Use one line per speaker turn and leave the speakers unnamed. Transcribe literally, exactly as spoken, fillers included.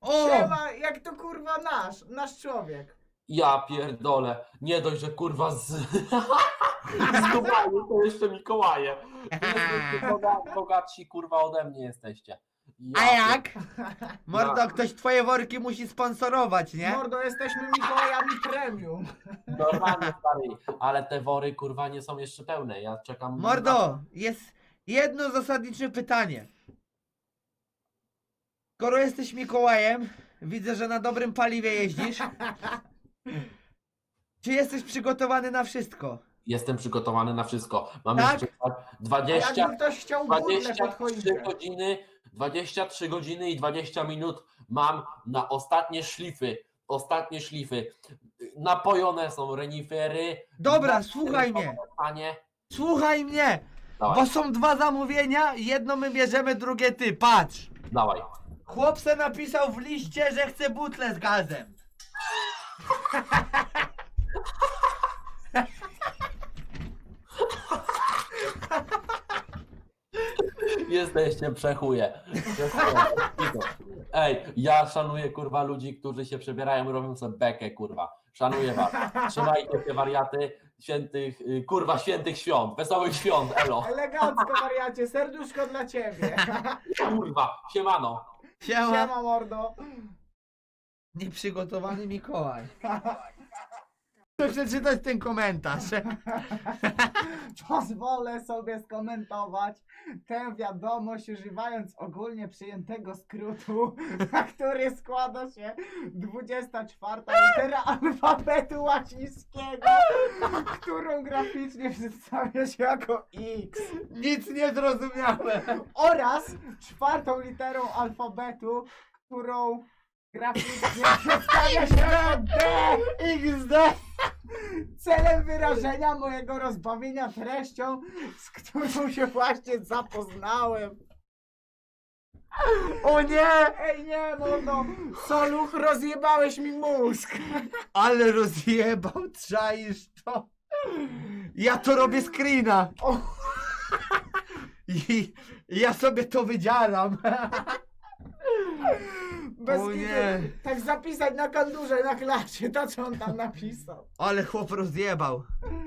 O!
Siema, jak to kurwa nasz, nasz człowiek.
Ja pierdolę. Nie dość, że kurwa z... z Dubaju to jeszcze Mikołaje. Wy jesteście boga- bogatsi kurwa ode mnie jesteście. Ja
A jak?
pier-
Mordo, ktoś twoje worki musi sponsorować, nie?
Mordo, jesteśmy Mikołajami premium.
Normalnie stary, ale te wory kurwa nie są jeszcze pełne. Ja czekam.
Mordo, jest jedno zasadnicze pytanie. Skoro jesteś Mikołajem, widzę, że na dobrym paliwie jeździsz. Czy jesteś przygotowany na wszystko?
Jestem przygotowany na wszystko. Mamy
Tak?
jeszcze
A
dwadzieścia,
jakby ktoś chciał butlę pod
dwadzieścia trzy
choinkę.
godziny, dwadzieścia trzy godziny i dwadzieścia minut mam na ostatnie szlify. Ostatnie szlify. Napojone są renifery.
Dobra,
Na-
słuchaj mnie.
Panie.
Słuchaj mnie,
Dawaj,
bo są dwa zamówienia, jedno my bierzemy, drugie ty, patrz.
dawaj.
Chłop se napisał w liście, że chce butlę z gazem.
Jesteście przechuje. Przechuje. Ej, ja szanuję kurwa ludzi, którzy się przebierają i robią sobie bekę, kurwa. Szanuję was. Trzymajcie się wariaty świętych, y, kurwa świętych świąt, wesołych świąt, elo.
Elegancko, wariacie, serduszko dla ciebie.
Kurwa, siemano.
Siema.
Siema, mordo.
Nieprzygotowany Mikołaj. Chcę przeczytać ten komentarz.
Pozwolę sobie skomentować tę wiadomość używając ogólnie przyjętego skrótu, na który składa się dwudziesta czwarta litera alfabetu łacińskiego, którą graficznie przedstawia się jako X,
Nic nie zrozumiałem.
oraz czwartą literą alfabetu, którą graficznie przedstawia się jako D.
iks de.
Celem wyrażenia mojego rozbawienia treścią, z którą się właśnie zapoznałem.
O nie!
Ej nie, mordo, Soluch, rozjebałeś mi mózg.
Ale rozjebał, czaisz to. Ja to robię screena.
O,
I ja sobie to wydzielam.
bez
O
kitu.
nie.
Tak zapisać na kandurze, na klacie, to co on tam napisał.
Ale chłop rozjebał.